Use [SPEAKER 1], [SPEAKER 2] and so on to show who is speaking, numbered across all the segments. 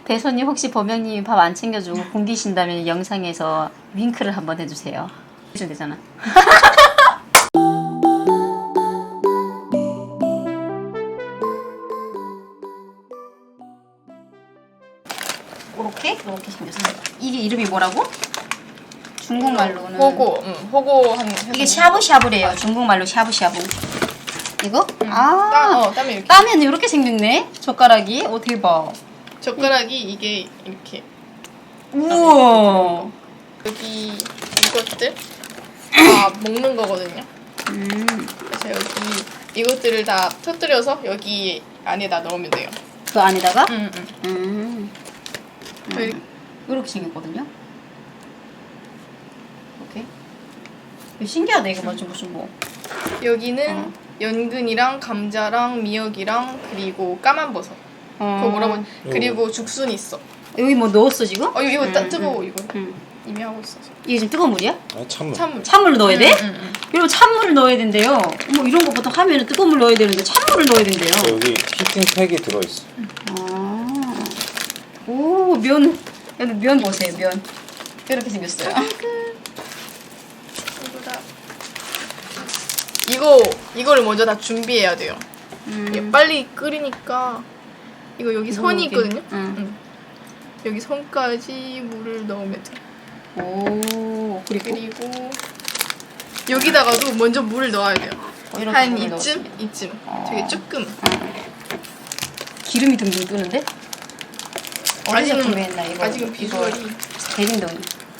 [SPEAKER 1] 배소님 혹시 범영님이 밥 안 챙겨주고 굶기신다면 영상에서 윙크를 한번 해주세요. 해줘야 되잖아. 이렇게 생겼어요. 이게 이름이 뭐라고? 중국말로는
[SPEAKER 2] 호고 한
[SPEAKER 1] 이게 샤브샤브래요. 중국말로 샤브샤브. 이거?
[SPEAKER 2] 땀이 이렇게.
[SPEAKER 1] 따면 이렇게 생겼네. 젓가락이. 대박.
[SPEAKER 2] 젓가락이 이게 이렇게.
[SPEAKER 1] 우와.
[SPEAKER 2] 여기 이것들 다 먹는 거거든요. 그래서 여기 이것들을 다 터뜨려서 여기 안에다 넣으면 돼요.
[SPEAKER 1] 그 안에다가? 이렇게 생겼거든요. 이렇게. 신기하다. 이거 무슨 뭐.
[SPEAKER 2] 여기는 연근이랑 감자랑 미역이랑 그리고 까만 버섯. 그거 뭐라고? 그리고 죽순이 있어.
[SPEAKER 1] 여기 뭐 넣었어 지금?
[SPEAKER 2] 이거 뜨거워 이거. 이미 하고 있어서.
[SPEAKER 1] 이게 지금 뜨거운 물이야?
[SPEAKER 3] 아 찬물.
[SPEAKER 1] 찬물을 넣어야 돼? 여러분 찬물을 넣어야 된대요. 뭐 이런 거 보통 하면은 뜨거운 물 넣어야 되는데 찬물을 넣어야 된대요.
[SPEAKER 3] 여기 히팅팩이 들어있어.
[SPEAKER 1] 오, 면. 여기 면 보세요, 면. 이렇게 생겼어요.
[SPEAKER 2] 이거를 먼저 다 준비해야 돼요. 이게 빨리 끓이니까 이거 여기 선이 있거든요. 여기 선까지 물을 넣으면 돼.
[SPEAKER 1] 오,
[SPEAKER 2] 그리고 여기다가도 먼저 물을 넣어야 돼요. 한
[SPEAKER 1] 물을
[SPEAKER 2] 이쯤. 되게 조금.
[SPEAKER 1] 기름이 등등 뜨는데?
[SPEAKER 2] 아직은
[SPEAKER 1] 구매했나 이거?
[SPEAKER 2] 아직은 비주얼이.
[SPEAKER 1] 대림동이.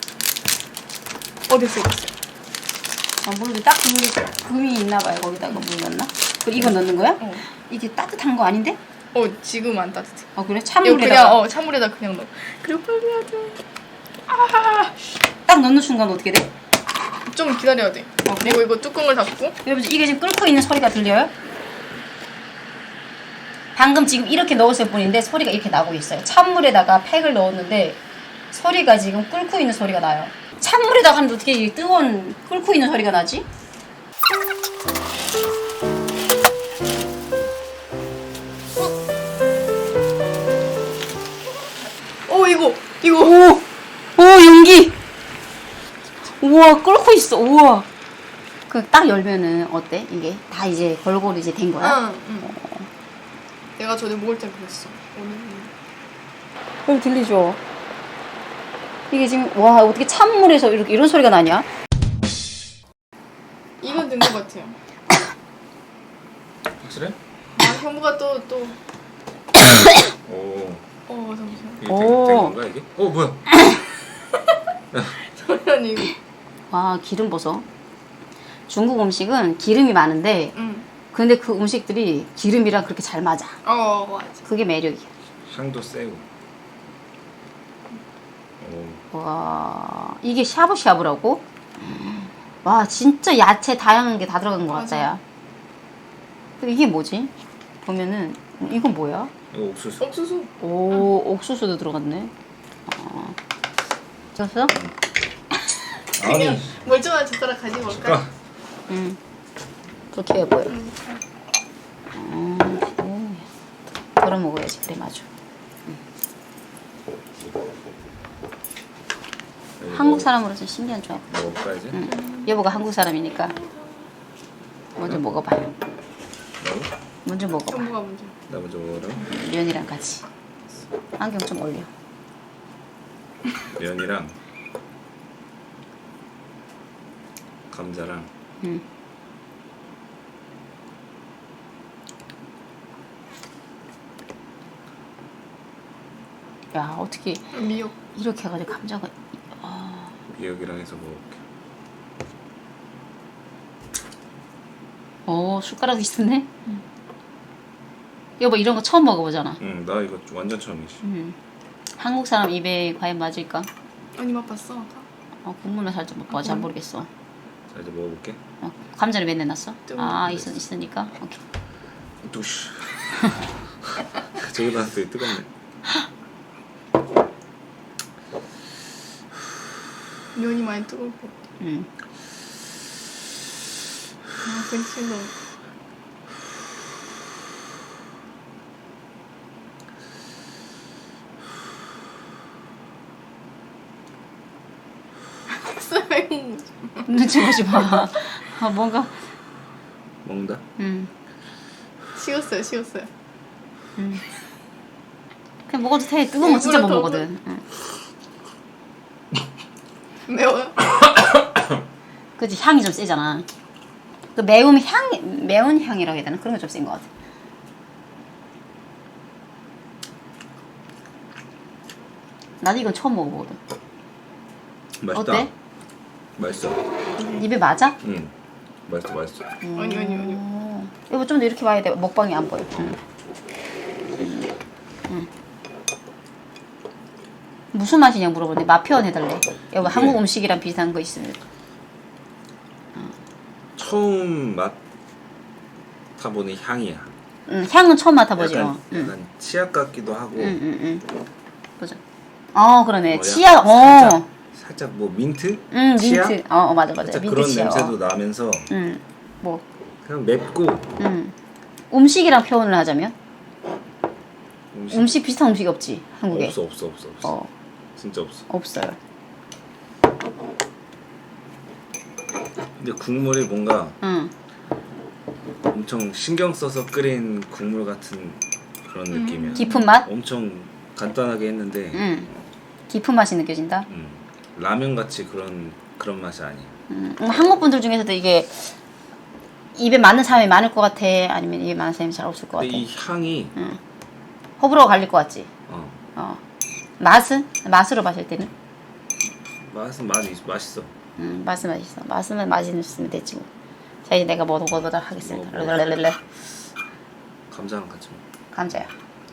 [SPEAKER 2] 됐어요.
[SPEAKER 1] 물도 딱 금이 있나 봐요. 거기다가 물 넣나? 그리고 이거 넣는 거야? 이게 따뜻한 거 아닌데?
[SPEAKER 2] 지금 안 따뜻해.
[SPEAKER 1] 그래?
[SPEAKER 2] 이거
[SPEAKER 1] 찬물에다가
[SPEAKER 2] 그냥 찬물에다 그냥 넣어. 그리고 빨리 해야 돼.
[SPEAKER 1] 딱 넣는 순간 어떻게 돼?
[SPEAKER 2] 좀 기다려야 돼.
[SPEAKER 1] 그래?
[SPEAKER 2] 그리고 이거 뚜껑을 닫고.
[SPEAKER 1] 여러분 이게 지금 끓고 있는 소리가 들려요? 방금 지금 이렇게 넣었을 뿐인데 소리가 이렇게 나고 있어요. 찬물에다가 팩을 넣었는데 소리가 지금 끓고 있는 소리가 나요. 찬물에다가 하면 어떻게 이 뜨거운 끓고 있는 소리가 나지?
[SPEAKER 2] 이거.
[SPEAKER 1] 오 연기. 우와 끓고 있어. 우와. 그 딱 열면은 어때? 이게 다 이제 골고루 이제 된 거야?
[SPEAKER 2] 내가 전에 먹을 때 그랬어.
[SPEAKER 1] 여기 들리죠? 이게 지금 와 어떻게 찬물에서 이런 소리가 나냐?
[SPEAKER 2] 이건 된 것 같아요.
[SPEAKER 3] 확실해?
[SPEAKER 2] 형부가 또.
[SPEAKER 3] 오.
[SPEAKER 2] 잠시만.
[SPEAKER 3] 이게 된 건가 이게? 뭐야?
[SPEAKER 2] 소연이 이거.
[SPEAKER 1] 와 기름 보소. 중국 음식은 기름이 많은데 근데 그 음식들이 기름이랑 그렇게 잘 맞아.
[SPEAKER 2] 맞아.
[SPEAKER 1] 그게 매력이야.
[SPEAKER 3] 향도 세고.
[SPEAKER 1] 와 이게 샤브샤브라고? 와 진짜 야채 다양한 게 다 들어간 것 같다 야. 근데 이게 뭐지? 보면은 이건 뭐야?
[SPEAKER 3] 이거 옥수수.
[SPEAKER 2] 옥수수.
[SPEAKER 1] 오 옥수수도 들어갔네. 졌어?
[SPEAKER 2] 그냥 멀쩡한 젓가락 가지고 올까?
[SPEAKER 1] 그렇게 해 보여. 덜어 먹어야지 그래 맞아. 한국 사람으로서 신기한 조합.
[SPEAKER 3] 먹어봐야지.
[SPEAKER 1] 여보가 한국 사람이니까 먼저 먹어봐.
[SPEAKER 3] 나도?
[SPEAKER 1] 먼저 먹어봐.
[SPEAKER 2] 형부가 먼저.
[SPEAKER 3] 나 먼저 먹으라고?
[SPEAKER 1] 면이랑 같이. 안경 좀 올려.
[SPEAKER 3] 면이랑 감자랑
[SPEAKER 1] 야 어떻게
[SPEAKER 2] 미역.
[SPEAKER 1] 이렇게 해가지고 감자가
[SPEAKER 3] 미역이랑 해서 먹을게.
[SPEAKER 1] 숟가락이 있었네. 여보 이런 거 처음 먹어보잖아.
[SPEAKER 3] 나 이거 완전 처음이지.
[SPEAKER 1] 한국 사람 입에 과연 맞을까?
[SPEAKER 2] 아니 맛봤어.
[SPEAKER 1] 국물만 살짝 먹고 잘 모르겠어.
[SPEAKER 3] 자 이제 먹어볼게.
[SPEAKER 1] 감자를 몇 내놨어?
[SPEAKER 2] 뜨거워.
[SPEAKER 1] 있으니까 오케이.
[SPEAKER 3] 두시. 저기다 되게 뜨겁네.
[SPEAKER 2] 면이 많이 뜨거울 것 같아. 괜찮아. 매운 거.
[SPEAKER 1] 눈치 보지 마. 아, 뭔가.
[SPEAKER 3] 먹는다.
[SPEAKER 2] 식었어요.
[SPEAKER 1] 그냥 먹어도 돼. 뜨거운 거 진짜 못
[SPEAKER 2] 일부러 더
[SPEAKER 1] 먹거든. 응.
[SPEAKER 2] 매워요?
[SPEAKER 1] 그치, 향이 좀 세잖아. 그 매운 향이라고 해야 되나? 그런 게 좀 센 것 같아. 나도 이건 처음 먹어보거든.
[SPEAKER 3] 맛있다.
[SPEAKER 1] 어때?
[SPEAKER 3] 맛있어.
[SPEAKER 1] 입에 맞아?
[SPEAKER 3] 응. 맛있어.
[SPEAKER 2] 아니요.
[SPEAKER 1] 여보 좀 더 이렇게 봐야 돼. 먹방이 안 보여. 무슨 맛이냐 물어보는데 맛 표현해달래. 여보 한국 음식이랑 비슷한 거 있으면.
[SPEAKER 3] 처음 맡아보는 향이야.
[SPEAKER 1] 향은 처음 맡아보지.
[SPEAKER 3] 약간 치약 같기도 하고.
[SPEAKER 1] 보자. 그러네.
[SPEAKER 3] 약간
[SPEAKER 1] 치약.
[SPEAKER 3] 살짝 뭐 민트?
[SPEAKER 1] 민트.
[SPEAKER 3] 치약?
[SPEAKER 1] 맞아.
[SPEAKER 3] 살짝
[SPEAKER 1] 민트
[SPEAKER 3] 그런
[SPEAKER 1] 치약.
[SPEAKER 3] 냄새도 나면서
[SPEAKER 1] 뭐
[SPEAKER 3] 그냥 맵고.
[SPEAKER 1] 음식이랑 표현을 하자면
[SPEAKER 3] 음식
[SPEAKER 1] 비슷한 음식이 없지 한국에.
[SPEAKER 3] 없어. 진짜 없어.
[SPEAKER 1] 없어요.
[SPEAKER 3] 근데 국물이 뭔가 엄청 신경 써서 끓인 국물 같은 그런 느낌이야.
[SPEAKER 1] 깊은 맛?
[SPEAKER 3] 엄청 간단하게 했는데
[SPEAKER 1] 깊은 맛이 느껴진다.
[SPEAKER 3] 라면 같이 그런 맛이 아니야.
[SPEAKER 1] 한국 분들 중에서도 이게 입에 맞는 사람이 많을 것 같아? 아니면 입에 맞는 사람이 잘 없을 것 같아?
[SPEAKER 3] 근데 이 향이
[SPEAKER 1] 호불호가 갈릴 것 같지? 맛으로 마실 때는?
[SPEAKER 3] 맛은 맛있어.
[SPEAKER 1] 맛은 맛있어. 맛은 맛있으면 됐지 뭐. 자 이제 내가 먹어보도록 하겠습니다.
[SPEAKER 3] 감자랑 같이 먹어.
[SPEAKER 1] 감자야.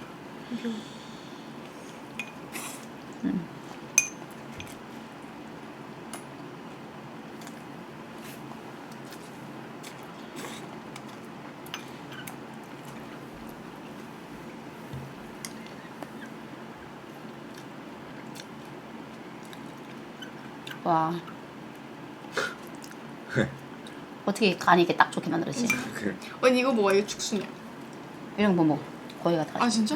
[SPEAKER 1] 와. 어떻게 간이 이렇게 딱 좋게 만들었지?
[SPEAKER 2] 언니 이거 뭐야? 이거 죽순이야.
[SPEAKER 1] 이런 거 먹어. 거기가 다.
[SPEAKER 2] 아, 진짜?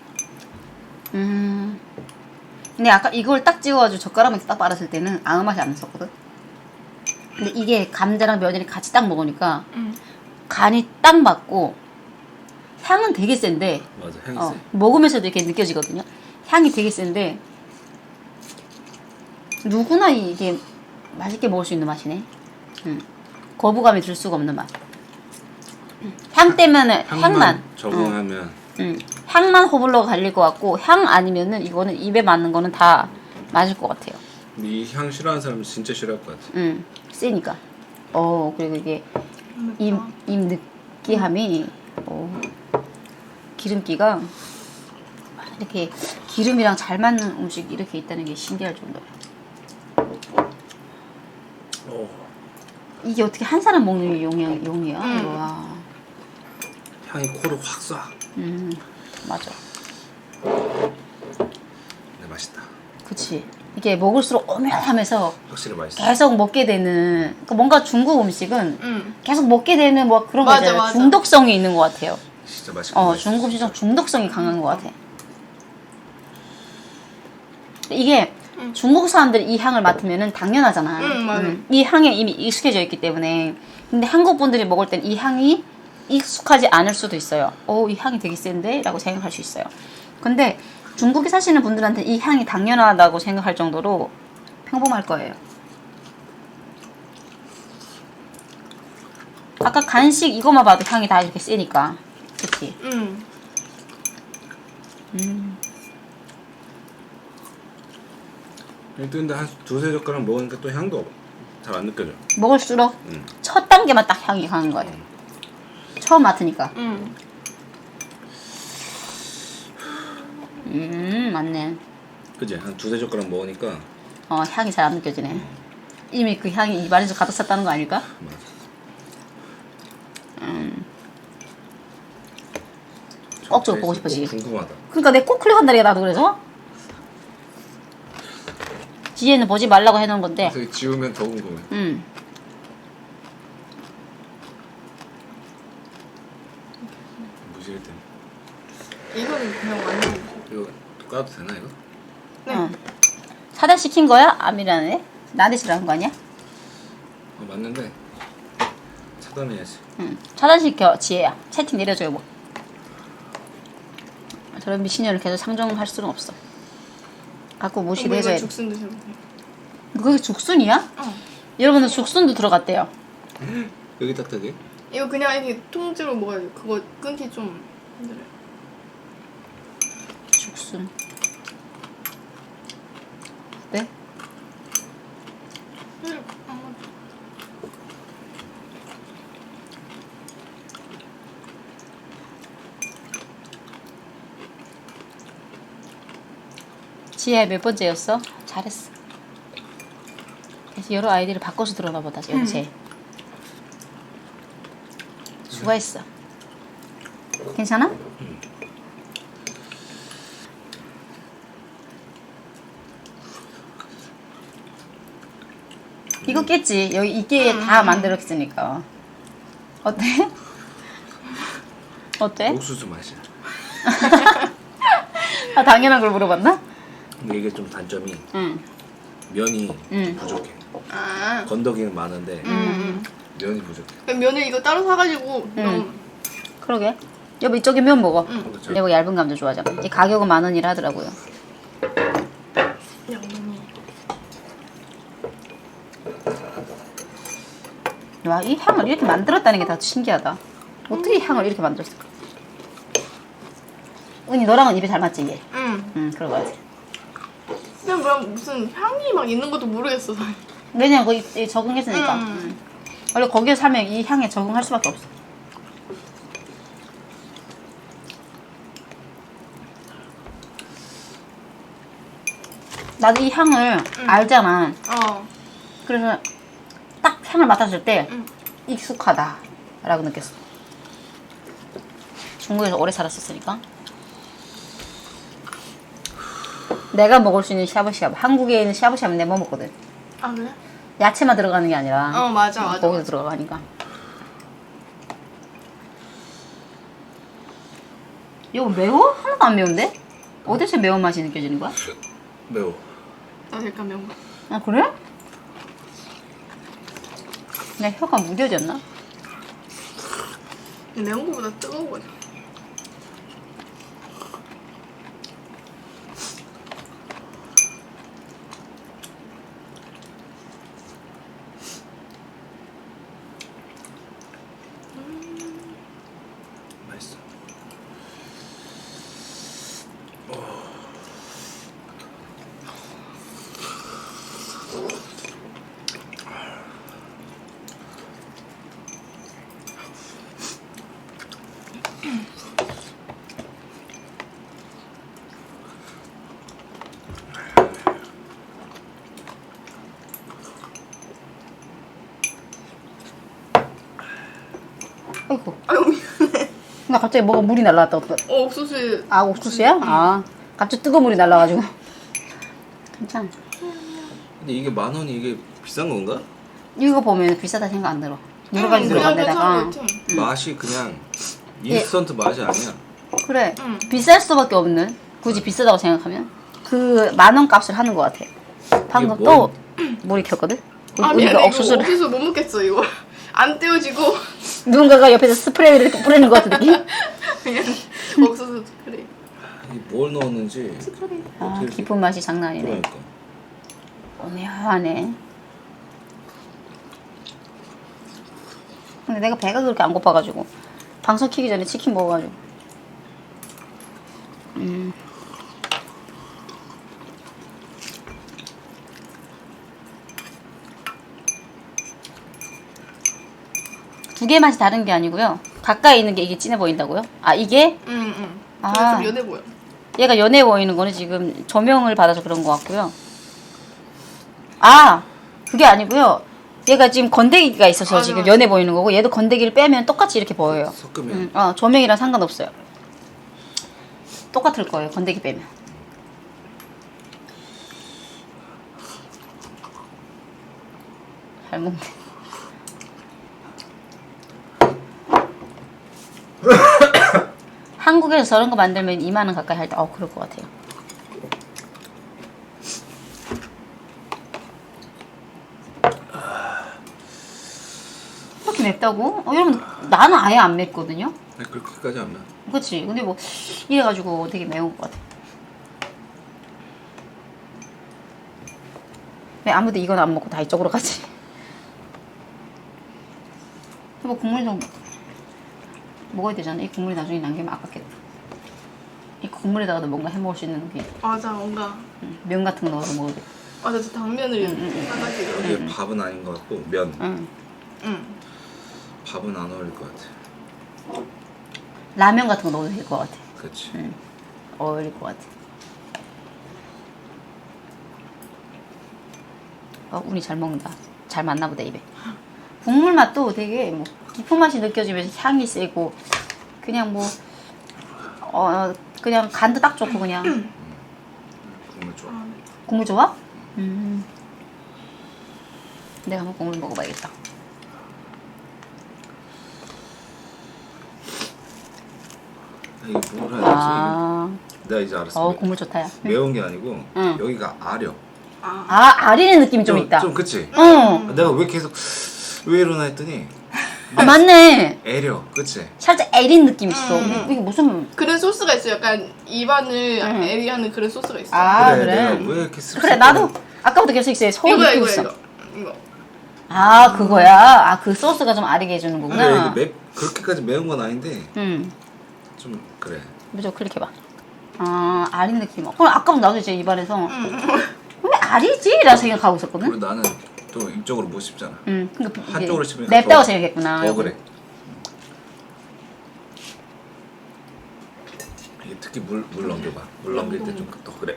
[SPEAKER 1] 근데 아까 이걸 딱 찍어가지고 젓가락만 딱 빨았을 때는 아무 맛이 안 났었거든. 근데 이게 감자랑 면이랑 같이 딱 먹으니까 간이 딱 맞고 향은 되게 센데.
[SPEAKER 3] 맞아, 향이 세.
[SPEAKER 1] 먹으면서도 이렇게 느껴지거든요. 향이 되게 센데 누구나 이게 맛있게 먹을 수 있는 맛이네. 거부감이 들 수가 없는 맛. 향 때문에 향만
[SPEAKER 3] 적응하면
[SPEAKER 1] 향만 호불호가 갈릴 것 같고 향 아니면은 이거는 입에 맞는 거는 다 맞을 것 같아요.
[SPEAKER 3] 이 향 싫어하는 사람은 진짜 싫어할 것 같아.
[SPEAKER 1] 세니까. 그리고 이게 입 느끼함이 기름기가 이렇게 기름이랑 잘 맞는 음식이 이렇게 있다는 게 신기할 정도야. 이게 어떻게 한 사람 먹는 용이야? 와.
[SPEAKER 3] 향이 코를 확 쏴.
[SPEAKER 1] 맞아.
[SPEAKER 3] 근데 맛있다.
[SPEAKER 1] 그치. 이게 먹을수록 오묘하면서
[SPEAKER 3] 확실히 맛있어.
[SPEAKER 1] 계속 먹게 되는. 그러니까 뭔가 중국 음식은 계속 먹게 되는 뭐 그런 거
[SPEAKER 2] 맞아,
[SPEAKER 1] 있잖아요.
[SPEAKER 2] 맞아.
[SPEAKER 1] 중독성이 있는 것 같아요.
[SPEAKER 3] 진짜 맛있고.
[SPEAKER 1] 중국 음식은 중독성이 강한 것 같아. 이게 중국 사람들이 이 향을 맡으면은 당연하잖아.
[SPEAKER 2] 맞아.
[SPEAKER 1] 이 향에 이미 익숙해져 있기 때문에. 근데 한국 분들이 먹을 땐 이 향이 익숙하지 않을 수도 있어요. 이 향이 되게 센데? 라고 생각할 수 있어요. 근데 중국에 사시는 분들한테 이 향이 당연하다고 생각할 정도로 평범할 거예요. 아까 간식 이거만 봐도 향이 다 이렇게 세니까. 그치?
[SPEAKER 3] 근데 한 두세 젓가락 먹으니까 또 향도 잘 안 느껴져.
[SPEAKER 1] 먹을수록 첫 단계만 딱 향이 강한 거예요. 처음 맡으니까. 맞네.
[SPEAKER 3] 그지? 한 두세 젓가락 먹으니까.
[SPEAKER 1] 향이 잘 안 느껴지네. 이미 그 향이 입안에서 가득 찼다는 거 아닐까?
[SPEAKER 3] 맞아.
[SPEAKER 1] 억지로 보고 싶어지.
[SPEAKER 3] 궁금하다.
[SPEAKER 1] 그러니까 내 꼭 클릭한다니까 나도 그래서. 뒤에는 보지 말라고 해놓은 건데.
[SPEAKER 3] 그래서 지우면 더 궁금해. 무시할 때.
[SPEAKER 2] 이거는 그냥 완전.
[SPEAKER 3] 이거 까도 되나 이거?
[SPEAKER 2] 네.
[SPEAKER 1] 사다 시킨 거야? 아미라네? 나한테 싫어하는 거 아니야?
[SPEAKER 3] 맞는데 차단해야지.
[SPEAKER 1] 응. 차단시켜 지혜야. 채팅 내려줘요 뭐. 저런 미친년을 계속 상정할 수는 없어. 갖고 무시도 해줘야 돼.
[SPEAKER 2] 죽순 드셔보세요.
[SPEAKER 1] 그게 죽순이야?
[SPEAKER 2] 어.
[SPEAKER 1] 여러분들 죽순도 들어갔대요.
[SPEAKER 3] 여기 딱딱해?
[SPEAKER 2] 이거 그냥 이렇게 통째로 먹어야 돼. 그거 끊기 좀 힘들어요.
[SPEAKER 1] 죽순. 네? 지혜 몇 번째였어? 잘했어. 그래서 여러 아이디를 바꿔서 들어나 보다 여기 쟤. 수고했어. 괜찮아? 이거 깼지. 여기 이게 다 만들었으니까. 어때? 어때?
[SPEAKER 3] 옥수수 맛이야.
[SPEAKER 1] 아 당연한 걸 물어봤나?
[SPEAKER 3] 근데 이게 좀 단점이
[SPEAKER 1] 응.
[SPEAKER 3] 면이
[SPEAKER 1] 응.
[SPEAKER 3] 부족해.
[SPEAKER 2] 아.
[SPEAKER 3] 건더기는 많은데 면이 부족해.
[SPEAKER 2] 그럼 면을 이거 따로 사가지고
[SPEAKER 1] 그러게. 여보 이쪽에 면 먹어.
[SPEAKER 3] 그렇죠.
[SPEAKER 1] 여보 얇은 감자 좋아하잖아. 이 가격은 10,000원이라 하더라고요.
[SPEAKER 2] 양념이.
[SPEAKER 1] 와, 이 향을 이렇게 만들었다는 게 다 신기하다. 어떻게 이 향을 이렇게 만들었을까? 은희 너랑은 입이 잘 맞지 이게?
[SPEAKER 2] 응.
[SPEAKER 1] 그런 거 같아.
[SPEAKER 2] 그냥 뭐야 무슨 향이 막 있는 것도 모르겠어.
[SPEAKER 1] 왜냐면 거기 적응했으니까.
[SPEAKER 2] 음.
[SPEAKER 1] 원래 거기에 살면 이 향에 적응할 수밖에 없어. 나도 이 향을 알잖아.
[SPEAKER 2] 어.
[SPEAKER 1] 그래서 딱 향을 맡았을 때
[SPEAKER 2] 응.
[SPEAKER 1] 익숙하다라고 느꼈어. 중국에서 오래 살았었으니까. 내가 먹을 수 있는 샤브샤브. 한국에 있는 샤브샤브는 내가 못 먹거든.
[SPEAKER 2] 아 그래?
[SPEAKER 1] 야채만 들어가는 게 아니라
[SPEAKER 2] 어 맞아.
[SPEAKER 1] 고기도 들어가니까. 이거 매워? 하나도 안 매운데? 어디서 매운맛이 느껴지는 거야?
[SPEAKER 3] 매워.
[SPEAKER 2] 나 잠깐 매운 거.
[SPEAKER 1] 아 그래? 내 혀가 무뎌졌나?
[SPEAKER 2] 근데 매운 거보다 뜨거운 거죠.
[SPEAKER 3] 맛있어.
[SPEAKER 1] 아이고.
[SPEAKER 2] 아유 미안해.
[SPEAKER 1] 나 갑자기 뭐가 물이 날라왔다.
[SPEAKER 2] 옥수수.
[SPEAKER 1] 아 옥수수야? 아 갑자기 뜨거운 물이 날라가지고. 괜찮아.
[SPEAKER 3] 근데 이게 10,000원이 이게 비싼 건가?
[SPEAKER 1] 이거 보면 비싸다 생각 안 들어. 여러 가지 들어간
[SPEAKER 2] 그냥
[SPEAKER 1] 데다가.
[SPEAKER 2] 괜찮은 것 같아.
[SPEAKER 3] 맛이 그냥 인스턴트 맛이 아니야.
[SPEAKER 1] 그래.
[SPEAKER 2] 응.
[SPEAKER 1] 비쌀 수밖에 없는. 굳이 비싸다고 생각하면 그 10,000원 값을 하는 것 같아. 방금
[SPEAKER 3] 이게
[SPEAKER 1] 또 물이 켰거든.
[SPEAKER 2] 아
[SPEAKER 1] 우리가
[SPEAKER 2] 미안해.
[SPEAKER 1] 옥수수를
[SPEAKER 2] 이거 옥수수 못 먹겠어 이거. 안 떼어지고
[SPEAKER 1] 누군가가 옆에서 스프레이를 이렇게 뿌리는 것 같은 느낌?
[SPEAKER 2] 그냥 옥수수 스프레이.
[SPEAKER 3] 이게 뭘 넣었는지.
[SPEAKER 1] 아
[SPEAKER 3] 어떻게
[SPEAKER 1] 깊은 맛이 장난 아니네.
[SPEAKER 3] 그러니까.
[SPEAKER 1] 오묘하네. 근데 내가 배가 그렇게 안 고파가지고 방송 키기 전에 치킨 먹어가지고. 두 개 맛이 다른 게 아니고요. 가까이 있는 게 이게 진해 보인다고요? 아 이게
[SPEAKER 2] 응.
[SPEAKER 1] 아.
[SPEAKER 2] 아. 좀 연해 보여.
[SPEAKER 1] 얘가 연해 보이는 거는 지금 조명을 받아서 그런 것 같고요. 아 그게 아니고요. 얘가 지금 건더기가 있어서
[SPEAKER 2] 맞아,
[SPEAKER 1] 지금
[SPEAKER 2] 맞아.
[SPEAKER 1] 연해 보이는 거고 얘도 건더기를 빼면 똑같이 이렇게 보여요.
[SPEAKER 3] 섞으면
[SPEAKER 1] 조명이랑 상관없어요. 똑같을 거예요. 건더기 빼면. 잘 먹네. 한국에서 저런 거 만들면 2만 원 가까이 할 때, 그럴 것 같아요. 맵다고? 여러분 나는 아예 안 맵거든요.
[SPEAKER 3] 아니, 그렇게까지 안 나.
[SPEAKER 1] 그치? 근데 뭐 이래가지고 되게 매운 것 같아. 왜 아무도 이건 안 먹고 다 이쪽으로 가지? 뭐 국물 좀 먹어야 되잖아. 이 국물이 나중에 남기면 아깝겠다. 이 국물에다가도 뭔가 해 먹을 수 있는 게
[SPEAKER 2] 맞아, 뭔가.
[SPEAKER 1] 면 같은 거 넣어서 먹어도 돼.
[SPEAKER 2] 맞아, 저 당면을 사가지고.
[SPEAKER 3] 이게 밥은 아닌 것 같고 면.
[SPEAKER 2] 응.
[SPEAKER 3] 밥은 안 어울릴 것 같아.
[SPEAKER 1] 라면 같은 거 넣어도 될 것 같아.
[SPEAKER 3] 그렇지.
[SPEAKER 1] 어울릴 것 같아. 운이 잘 먹는다. 잘 맞나 보다 입에. 국물 맛도 되게 뭐 깊은 맛이 느껴지면서 향이 세고 그냥 뭐 그냥 간도 딱 좋고 그냥
[SPEAKER 3] 국물 좋아.
[SPEAKER 1] 국물 좋아? 내가 한번 국물 먹어봐야겠다.
[SPEAKER 3] 이게 뭐라 해야 되지?
[SPEAKER 1] 아,
[SPEAKER 3] 내가 이제 알았어.
[SPEAKER 1] 국물 좋다 야.
[SPEAKER 3] 매운 게 아니고
[SPEAKER 1] 응.
[SPEAKER 3] 여기가 아려.
[SPEAKER 1] 아리는 느낌이 좀 있다.
[SPEAKER 3] 좀 그치?
[SPEAKER 1] 응.
[SPEAKER 3] 내가 왜 계속 왜 이러나 했더니
[SPEAKER 1] 맞네.
[SPEAKER 3] 애려. 그치?
[SPEAKER 1] 살짝 애린 느낌 있어. 이게 무슨
[SPEAKER 2] 그런 소스가 있어요. 약간 입안을 애리하는 그런 소스가 있어.
[SPEAKER 1] 그래.
[SPEAKER 3] 내가 왜 이렇게 씁쓸해?
[SPEAKER 1] 그래 나도 아까부터 계속 있어요. 서울
[SPEAKER 2] 이거야,
[SPEAKER 1] 느끼고
[SPEAKER 2] 이거,
[SPEAKER 1] 있어.
[SPEAKER 2] 이거.
[SPEAKER 1] 그거야. 그 소스가 좀 아리게 해주는
[SPEAKER 3] 근데
[SPEAKER 1] 거구나.
[SPEAKER 3] 이게 그렇게까지 매운 건 아닌데 좀 그래.
[SPEAKER 1] 무조건 클릭해봐. 아린 느낌. 그럼 아까부터 나도 이제 입안에서 왜 아리지? 라고 생각하고 있었거든.
[SPEAKER 3] 그리고 나는 또 이쪽으로 못 씹잖아.
[SPEAKER 1] 그러니까
[SPEAKER 3] 한쪽으로
[SPEAKER 1] 이게
[SPEAKER 3] 씹으니까
[SPEAKER 1] 맵다고
[SPEAKER 3] 더-
[SPEAKER 1] 생각했구나.
[SPEAKER 3] 더 그래. 이게 특히 물 넘겨봐. 물 넘길 때 좀 더 그래.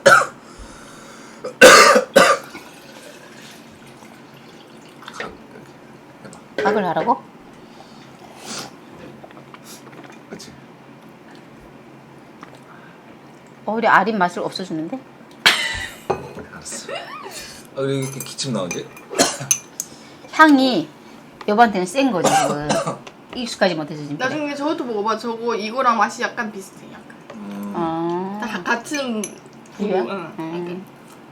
[SPEAKER 3] 해봐.
[SPEAKER 1] 각을 하라고?
[SPEAKER 3] 그렇지.
[SPEAKER 1] 오히려 아린 맛을 없애주는데?
[SPEAKER 3] 알았어. 왜 이렇게 기침 나오지?
[SPEAKER 1] 향이 여보한테는 센 거지 지금. 익숙하지 못해서 지금. 그래.
[SPEAKER 2] 나중에 저것도 먹어봐. 저거 이거랑 맛이 약간 비슷해. 약간. 다 같은
[SPEAKER 1] 부위야?
[SPEAKER 2] 응.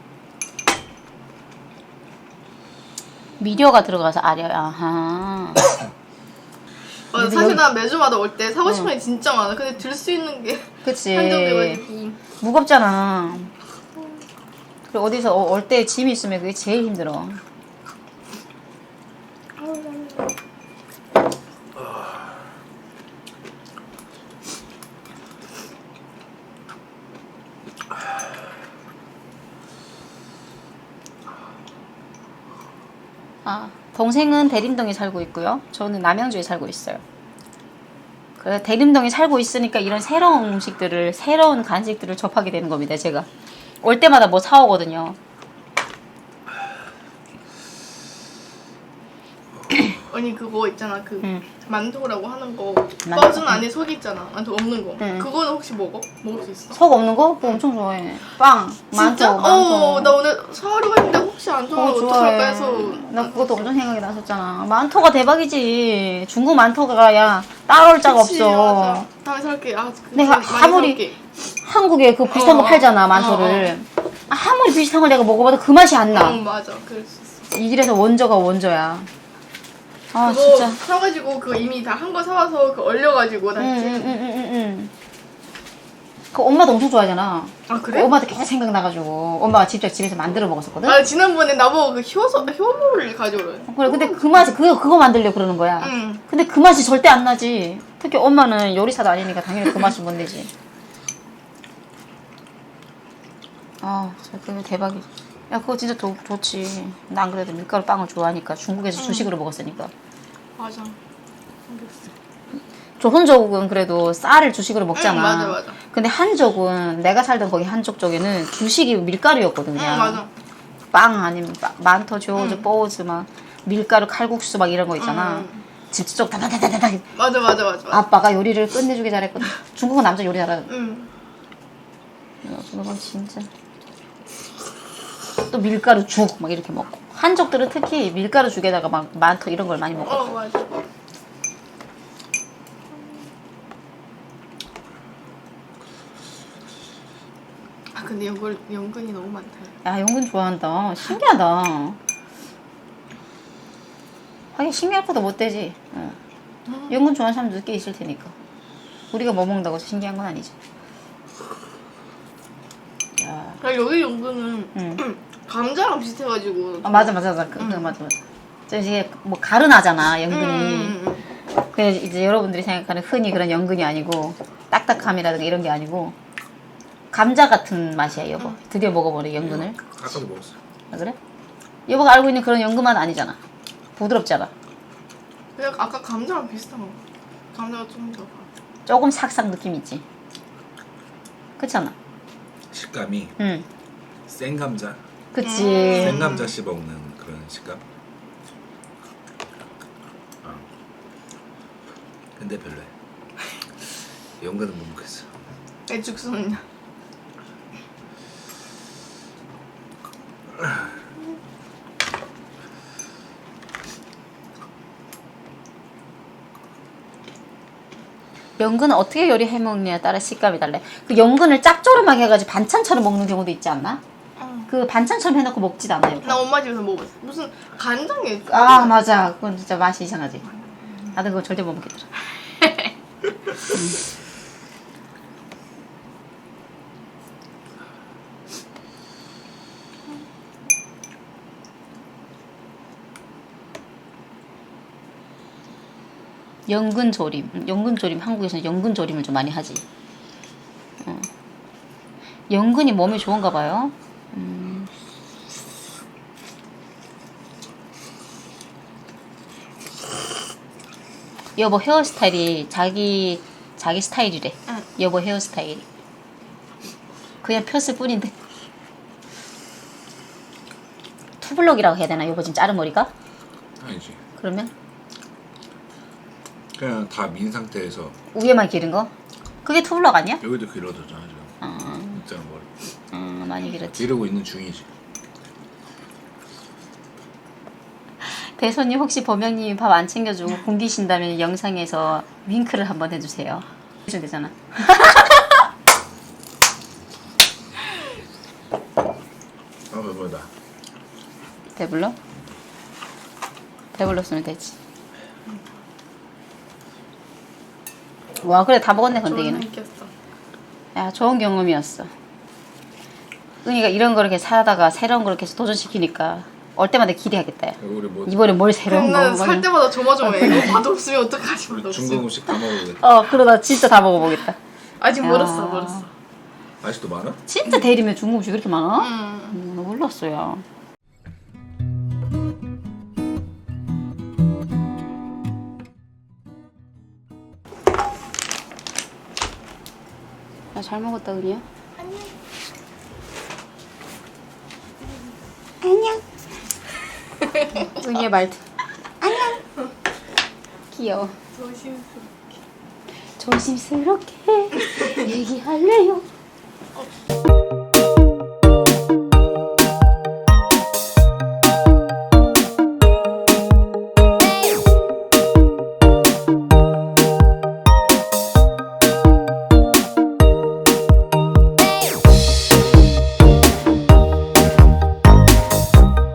[SPEAKER 1] 미려가 들어가서 아려야. 아하.
[SPEAKER 2] 맞아, 사실 나 매주마다 올 때 사고 싶은 게 진짜 많아. 근데 들 수 있는 게
[SPEAKER 1] 그치.
[SPEAKER 2] 한정돼가지고.
[SPEAKER 1] 무겁잖아. 그리고 어디서 올 때 짐이 있으면 그게 제일 힘들어. 동생은 대림동에 살고 있고요. 저는 남양주에 살고 있어요. 그래서 대림동에 살고 있으니까 이런 새로운 음식들을, 새로운 간식들을 접하게 되는 겁니다. 제가 올 때마다 뭐 사오거든요.
[SPEAKER 2] 언니 그거 있잖아. 그 만두라고 하는 거.
[SPEAKER 1] 만두.
[SPEAKER 2] 뻐준 안에 속 있잖아. 만두 없는 거.
[SPEAKER 1] 응.
[SPEAKER 2] 그거는 혹시 먹어? 먹을 수 있어?
[SPEAKER 1] 속 없는 거? 그거 엄청 좋아해. 빵,
[SPEAKER 2] 진짜?
[SPEAKER 1] 만토.
[SPEAKER 2] 나 오늘 사오려고 했는데 혹시 안 좋아하면 어떡할까 해서.
[SPEAKER 1] 나 그것도 엄청 생각이 났었잖아. 만토가 대박이지. 중국 만토가 야 따라올 자가
[SPEAKER 2] 그치,
[SPEAKER 1] 없어.
[SPEAKER 2] 맞아. 다음에 살게.
[SPEAKER 1] 내가 아무리 한국에 그 비슷한 거 팔잖아, 만토를. 아무리 비슷한 걸 내가 먹어봐도 그 맛이 안 나.
[SPEAKER 2] 응, 맞아. 그럴 수 있어.
[SPEAKER 1] 이 집에서 원조가 원조야.
[SPEAKER 2] 그거
[SPEAKER 1] 진짜.
[SPEAKER 2] 사가지고 그 이미 다 한 거 사와서 그 얼려가지고 다 했지.
[SPEAKER 1] 그 엄마도 엄청 좋아하잖아.
[SPEAKER 2] 아, 그래?
[SPEAKER 1] 엄마도 계속 생각나가지고 엄마가 직접 집에서 만들어 먹었었거든.
[SPEAKER 2] 아, 지난번에 나보고 그 효모를 가져오래.
[SPEAKER 1] 그래, 근데 그 맛이 그거 만들려고 그러는 거야.
[SPEAKER 2] 응.
[SPEAKER 1] 근데 그 맛이 절대 안 나지. 특히 엄마는 요리사도 아니니까 당연히 그 맛을 못 내지. 진짜 그거 대박이지. 야, 그거 진짜 좋지. 나 안 그래도 밀가루 빵을 좋아하니까 중국에서 주식으로 먹었으니까.
[SPEAKER 2] 맞아.
[SPEAKER 1] 조선족은 그래도 쌀을 주식으로 먹잖아.
[SPEAKER 2] 응, 맞아.
[SPEAKER 1] 근데 한족은 내가 살던 거기 한족 쪽에는 주식이 밀가루였거든 그냥.
[SPEAKER 2] 응, 맞아.
[SPEAKER 1] 빵 아니면 만토, 조즈, 뽀즈 막 밀가루 칼국수 막 이런 거 있잖아. 집쪽 다다다다다.
[SPEAKER 2] 맞아.
[SPEAKER 1] 아빠가 요리를 끝내주게 잘했거든. 중국은 남자 요리 잘하거든.
[SPEAKER 2] 응.
[SPEAKER 1] 중국은 진짜. 또 밀가루 죽 막 이렇게 먹고. 한족들은 특히 밀가루 죽에다가 막 만토 이런 걸 많이 먹어.
[SPEAKER 2] 맞아. 근데 연근이 너무 많다.
[SPEAKER 1] 야, 연근 좋아한다. 신기하다. 하긴 신기할 것도 못 되지. 연근 좋아하는 사람도 꽤 있을 테니까. 우리가 뭐 먹는다고 신기한 건 아니지. 야.
[SPEAKER 2] 여기 연근은 감자랑 비슷해가지고.
[SPEAKER 1] 아 맞아. 맞아. 저 이게 뭐 가른하잖아 연근이. 그래서 이제 여러분들이 생각하는 흔히 그런 연근이 아니고 딱딱함이라든가 이런 게 아니고 감자 같은 맛이야 여보. 드디어 먹어보네 연근을.
[SPEAKER 3] 아까도 먹었어요.
[SPEAKER 1] 아, 그래? 여보가 알고 있는 그런 연근 맛 아니잖아. 부드럽잖아.
[SPEAKER 2] 그냥 아까 감자랑 비슷한 거. 감자가 좀 더.
[SPEAKER 1] 조금 삭삭 느낌 있지. 그렇지 않아?
[SPEAKER 3] 식감이
[SPEAKER 1] 응.
[SPEAKER 3] 생 감자.
[SPEAKER 1] 그치.
[SPEAKER 3] 생 감자 씹어 먹는 그런 식감. 근데 별로야. 연근은 못 먹겠어.
[SPEAKER 2] 애죽순.
[SPEAKER 1] 연근은 어떻게 요리해 먹느냐에 따라 식감이 달라. 그 연근을 짭조름하게 해가지고 반찬처럼 먹는 경우도 있지 않나? 그 반찬처럼 해놓고 먹지도 않아요.
[SPEAKER 2] 나 엄마 집에서 먹어봤어. 무슨 간장에.
[SPEAKER 1] 아 맞아. 그건 진짜 맛이 이상하지. 나도 그거 절대 못 먹겠더라. 연근조림. 연근조림 한국에서는 연근조림을 좀 많이 하지. 연근이 몸에 좋은가 봐요. 여보 헤어스타일이 자기 스타일이래.
[SPEAKER 2] 응.
[SPEAKER 1] 여보 헤어스타일. 그냥 폈을 뿐인데. 투블럭이라고 해야 되나 여보 지금 자른 머리가?
[SPEAKER 3] 아니지.
[SPEAKER 1] 그러면
[SPEAKER 3] 그냥 다 민 상태에서
[SPEAKER 1] 위에만 기른 거? 그게 투블럭 아니야?
[SPEAKER 3] 여기도 길어졌잖아 지금. 있잖아 머리.
[SPEAKER 1] 많이 길었지.
[SPEAKER 3] 기르고 있는 중이지.
[SPEAKER 1] 대소님 혹시 범영님이 밥 안 챙겨주고 굶기신다면 영상에서 윙크를 한번 해주세요. 해주면 되잖아.
[SPEAKER 3] 배부르다.
[SPEAKER 1] 배불러? 배불렀으면 되지. 와 그래 다 먹었네 건더기는.
[SPEAKER 2] 있겠어.
[SPEAKER 1] 야 좋은 경험이었어. 은희가 이런 거 이렇게 사다가 새로운 거 이렇게 도전시키니까 올 때마다 기대하겠다. 야.
[SPEAKER 3] 우리 뭐
[SPEAKER 1] 이번에 뭘 새로운 거.
[SPEAKER 2] 살 때마다 조마조마해. 이거 맛없으면 어떡하지?
[SPEAKER 3] 우리
[SPEAKER 2] 맛없으면.
[SPEAKER 3] 중국 음식 다 먹어보겠다.
[SPEAKER 1] 그러다 진짜 다 먹어보겠다.
[SPEAKER 2] 아직
[SPEAKER 1] 야.
[SPEAKER 2] 멀었어.
[SPEAKER 3] 아직도 많아?
[SPEAKER 1] 진짜 대리면 중국 음식 그렇게 많아?
[SPEAKER 2] 응.
[SPEAKER 1] 몰랐어요. 야, 잘 먹었다, 은희야. 안녕. 은희의 말투. 안녕. 귀여워. 조심스럽게 얘기할래요.